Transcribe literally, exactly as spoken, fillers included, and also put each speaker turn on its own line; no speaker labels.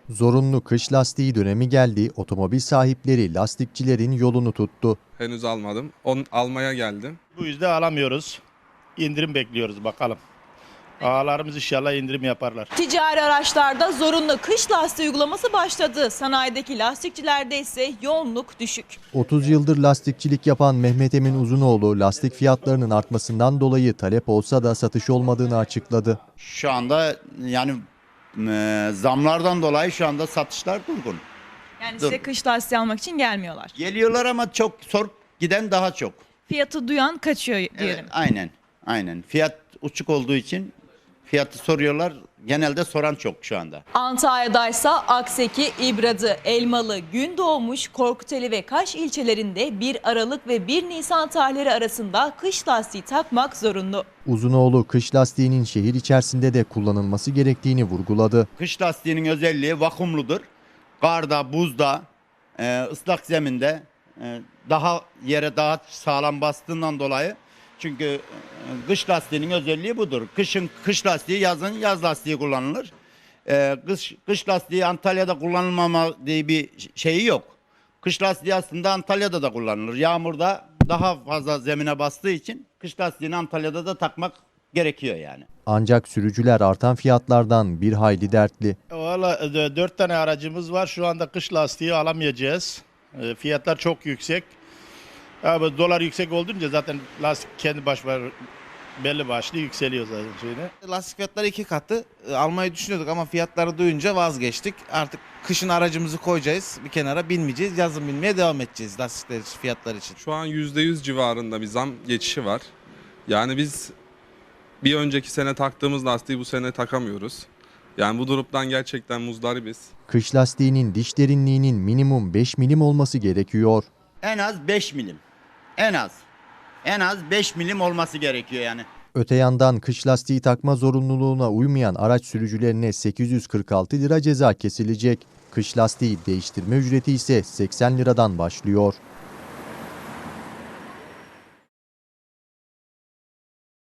Zorunlu kış lastiği dönemi geldi, otomobil sahipleri lastikçilerin yolunu tuttu.
Henüz almadım. Onu almaya geldim.
Bu yüzden alamıyoruz. İndirim bekliyoruz bakalım. Ağalarımız inşallah indirim yaparlar.
Ticari araçlarda zorunlu kış lastiği uygulaması başladı. Sanayideki lastikçilerde ise yoğunluk düşük.
otuz yıldır lastikçilik yapan Mehmet Emin Uzunoğlu lastik fiyatlarının artmasından dolayı talep olsa da satış olmadığını açıkladı.
Şu anda yani e, zamlardan dolayı şu anda satışlar durgun.
Yani
Dur.
size kış lastiği almak için gelmiyorlar.
Geliyorlar ama çok sorup giden daha çok.
Fiyatı duyan kaçıyor diyelim.
Evet, aynen. Aynen. Fiyat uçuk olduğu için fiyatı soruyorlar. Genelde soran çok şu anda.
Antalya'daysa Akseki, İbradı, Elmalı, Gündoğmuş, Korkuteli ve Kaş ilçelerinde bir Aralık ve bir Nisan tarihleri arasında kış lastiği takmak zorunlu.
Uzunoğlu kış lastiğinin şehir içerisinde de kullanılması gerektiğini vurguladı.
Kış lastiğinin özelliği vakumludur. Karda, buzda, e, ıslak zeminde e, daha yere daha sağlam bastığından dolayı. Çünkü e, kış lastiğinin özelliği budur. Kışın kış lastiği, yazın yaz lastiği kullanılır. E, kış, kış lastiği Antalya'da kullanılmama diye bir şeyi yok. Kış lastiği aslında Antalya'da da kullanılır. Yağmurda daha fazla zemine bastığı için kış lastiğini Antalya'da da takmak gerekiyor yani.
Ancak sürücüler artan fiyatlardan bir hayli dertli.
Valla e, dört tane aracımız var. Şu anda kış lastiği alamayacağız. E, Fiyatlar çok yüksek. Abi dolar yüksek olduğunca zaten lastik kendi başına belli başlı yükseliyor zaten şeyine.
Lastik fiyatları iki katı. E, Almayı düşünüyorduk ama fiyatları duyunca vazgeçtik. Artık kışın aracımızı koyacağız bir kenara, binmeyeceğiz. Yazın binmeye devam edeceğiz lastikler için, fiyatlar için.
Şu an yüzde yüz civarında bir zam geçişi var. Yani biz bir önceki sene taktığımız lastiği bu sene takamıyoruz. Yani bu durumdan gerçekten muzdaribiz.
Kış lastiğinin diş derinliğinin minimum beş milim olması gerekiyor.
En az beş milim. En az. En az beş milim olması gerekiyor yani.
Öte yandan kış lastiği takma zorunluluğuna uymayan araç sürücülerine sekiz yüz kırk altı lira ceza kesilecek. Kış lastiği değiştirme ücreti ise seksen liradan başlıyor.